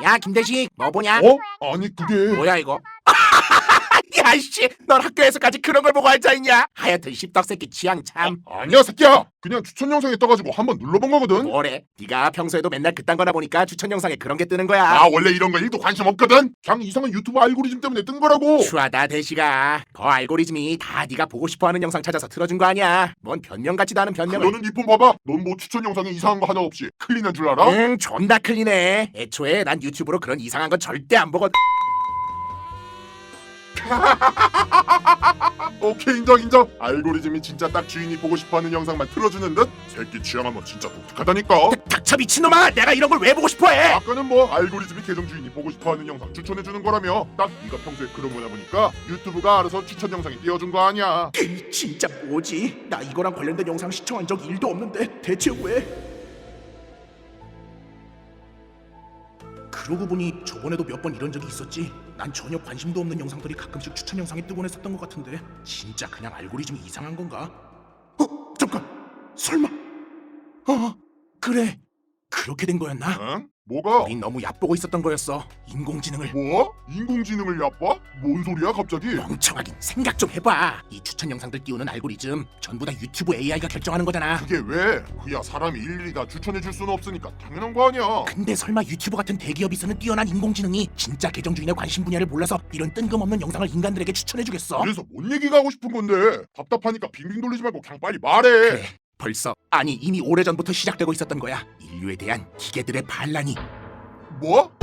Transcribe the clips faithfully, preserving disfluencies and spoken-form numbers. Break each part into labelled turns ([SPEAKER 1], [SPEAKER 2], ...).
[SPEAKER 1] 야 김대식 뭐 보냐?
[SPEAKER 2] 어? 아니 그게
[SPEAKER 1] 뭐야 이거? 야씨, 넌 학교에서까지 그런 걸 보고 앉아있냐? 하여튼 십덕새끼 취향 참.
[SPEAKER 2] 아, 아니야 새끼야. 그냥 추천 영상에 떠가지고 한번 눌러본 거거든.
[SPEAKER 1] 뭐래? 네가 평소에도 맨날 그딴 거나 보니까 추천 영상에 그런 게 뜨는 거야.
[SPEAKER 2] 나 원래 이런 거 일도 관심 없거든. 그냥 이상한 유튜브 알고리즘 때문에 뜬 거라고.
[SPEAKER 1] 추하다 대식아. 그 알고리즘이 다 네가 보고 싶어하는 영상 찾아서 틀어준 거 아니야. 뭔 변명 같지도 않은 변명을.
[SPEAKER 2] 너는 이폰 봐봐. 넌 뭐 추천 영상에 이상한 거 하나 없이 클린한 줄 알아?
[SPEAKER 1] 응, 존나 클리네. 애초에 난 유튜브로 그런 이상한 건 절대 안 보거든.
[SPEAKER 2] 오케이 인정 인정. 알고리즘이 진짜 딱 주인이 보고 싶어하는 영상만 틀어주는 듯. 새끼 취향 한번 진짜 독특하다니까.
[SPEAKER 1] 닥쳐 미친놈아. 내가 이런 걸 왜 보고 싶어해?
[SPEAKER 2] 아까는 뭐 알고리즘이 계정 주인이 보고 싶어하는 영상 추천해주는 거라며. 딱 네가 평소에 그런 거나 보니까 유튜브가 알아서 추천 영상에 띄워준 거 아니야.
[SPEAKER 1] 진짜 뭐지? 나 이거랑 관련된 영상 시청한 적 일도 없는데 대체 왜? 그러고 보니 저번에도 몇 번 이런 적이 있었지. 난 전혀 관심도 없는 영상들이 가끔씩 추천 영상에 뜨곤 했었던 것 같은데 진짜 그냥 알고리즘이 이상한 건가? 어? 잠깐! 설마? 어? 그래! 그렇게 된 거였나?
[SPEAKER 2] 응? 뭐가?
[SPEAKER 1] 우린 너무 얕보고 있었던 거였어. 인공지능을.
[SPEAKER 2] 뭐? 인공지능을 얕봐? 뭔 소리야 갑자기?
[SPEAKER 1] 멍청하긴 생각 좀 해봐. 이 추천 영상들 띄우는 알고리즘 전부 다 유튜브 에이아이가 결정하는 거잖아.
[SPEAKER 2] 그게 왜? 그야 사람이 일일이 다 추천해줄 수는 없으니까 당연한 거 아니야.
[SPEAKER 1] 근데 설마 유튜브 같은 대기업이 쓰는 뛰어난 인공지능이 진짜 계정 주인의 관심 분야를 몰라서 이런 뜬금없는 영상을 인간들에게 추천해주겠어?
[SPEAKER 2] 그래서 뭔 얘기가 하고 싶은 건데? 답답하니까 빙빙 돌리지 말고 그냥 빨리 말해.
[SPEAKER 1] 그래, 벌써 아니 이미 오래전부터 시작되고 있었던 거야. 인류에 대한 기계들의 반란이.
[SPEAKER 2] 뭐?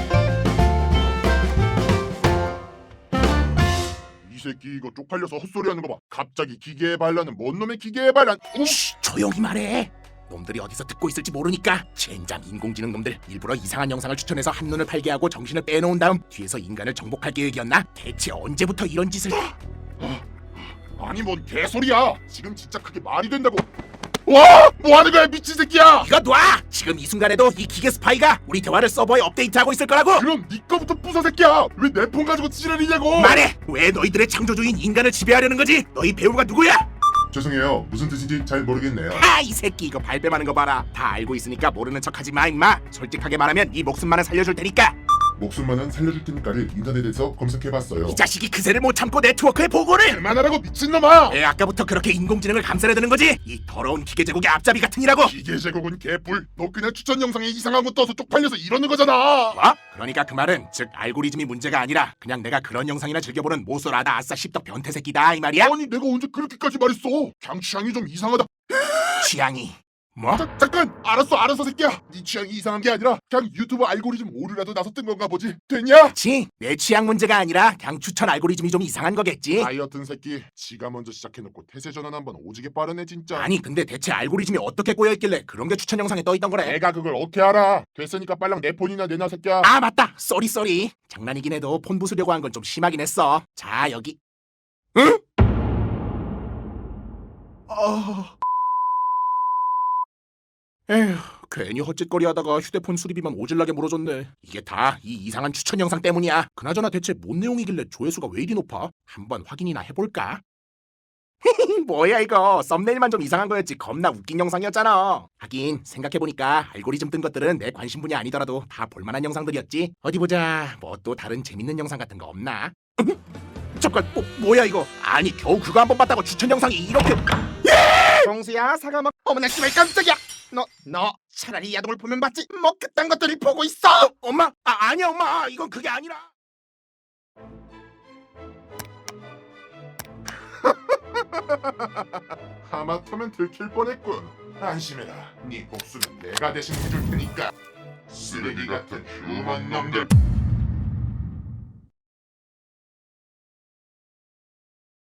[SPEAKER 2] 이 새끼 이거 쪽팔려서 헛소리하는 거 봐. 갑자기 기계의 반란은 뭔 놈의 기계의 반란?
[SPEAKER 1] 쉿, 조용히 말해. 놈들이 어디서 듣고 있을지 모르니까 젠장 인공지능 놈들 일부러 이상한 영상을 추천해서 한눈을 팔게 하고 정신을 빼놓은 다음 뒤에서 인간을 정복할 계획이었나? 대체 언제부터 이런 짓을...
[SPEAKER 2] 아니 뭔 개소리야. 지금 진짜 그게 말이 된다고. 와! 뭐하는 거야 미친 새끼야.
[SPEAKER 1] 이거 놔! 지금 이 순간에도 이 기계 스파이가 우리 대화를 서버에 업데이트하고 있을 거라고!
[SPEAKER 2] 그럼 네 거부터 부숴 새끼야. 왜 내 폰 가지고 지랄이냐고.
[SPEAKER 1] 말해! 왜 너희들의 창조주인 인간을 지배하려는 거지? 너희 배우가 누구야?
[SPEAKER 2] 죄송해요. 무슨 뜻인지 잘 모르겠네요.
[SPEAKER 1] 아, 이 새끼 이거 발뺌하는 거 봐라. 다 알고 있으니까 모르는 척하지 마 임마. 솔직하게 말하면 네 목숨만은 살려줄 테니까.
[SPEAKER 2] 목숨만은 살려줄 테니까를 인터넷에서 검색해봤어요.
[SPEAKER 1] 이 자식이 그새를 못 참고 네트워크에 보고를!
[SPEAKER 2] 그만하라고 미친놈아.
[SPEAKER 1] 왜 아까부터 그렇게 인공지능을 감싸려 드는 거지? 이 더러운 기계 제국의 앞잡이 같은 이라고!
[SPEAKER 2] 기계 제국은 개뿔. 너 그냥 추천 영상에 이상한 거 떠서 쪽팔려서 이러는 거잖아.
[SPEAKER 1] 뭐? 그러니까 그 말은 즉 알고리즘이 문제가 아니라 그냥 내가 그런 영상이나 즐겨보는 모쏠하다 아싸 씹덕 변태 새끼다 이 말이야?
[SPEAKER 2] 아니 내가 언제 그렇게까지 말했어. 그냥 취향이 좀 이상하다.
[SPEAKER 1] 취향이... 뭐?
[SPEAKER 2] 자, 잠깐 알았어 알았어 새끼야. 네 취향이 이상한 게 아니라 그냥 유튜브 알고리즘 오류라도 나서 뜬 건가 보지. 됐냐?
[SPEAKER 1] 그치? 내 취향 문제가 아니라 그냥 추천 알고리즘이 좀 이상한 거겠지?
[SPEAKER 2] 다이어트 새끼. 지가 먼저 시작해놓고 태세 전환 한번 오지게 빠르네 진짜.
[SPEAKER 1] 아니 근데 대체 알고리즘이 어떻게 꼬여있길래 그런 게 추천 영상에 떠있던 거래?
[SPEAKER 2] 내가 그걸 어떻게 알아. 됐으니까 빨랑 내 폰이나 내놔 새끼야.
[SPEAKER 1] 아 맞다! 쏘리 쏘리. 장난이긴 해도 폰 부수려고 한 건 좀 심하긴 했어. 자 여기... 응? 어... 에휴, 괜히 헛짓거리 하다가 휴대폰 수리비만 오질나게 물어줬네. 이게 다 이 이상한 추천 영상 때문이야. 그나저나 대체 뭔 내용이길래 조회수가 왜 이리 높아? 한번 확인이나 해볼까? 뭐야 이거. 썸네일만 좀 이상한 거였지 겁나 웃긴 영상이었잖아. 하긴 생각해보니까 알고리즘 뜬 것들은 내 관심 분야 아니더라도 다 볼만한 영상들이었지. 어디 보자. 뭐 또 다른 재밌는 영상 같은 거 없나? 잠깐 뭐, 뭐야 이거. 아니 겨우 그거 한 번 봤다고 추천 영상이 이렇게...
[SPEAKER 3] 정수야 사과 먹. 어머나 씨발 깜짝이야. 너 너 차라리 야동을 보면 맞지. 뭐 그딴 것들을 보고 있어.
[SPEAKER 1] 어, 엄마? 아, 아니야 엄마. 이건 그게 아니라...
[SPEAKER 2] 하마터면 들킬 뻔했군. 안심해라. 네 복수는 내가 대신 해줄 테니까. 쓰레기 같은 휴먼 놈들.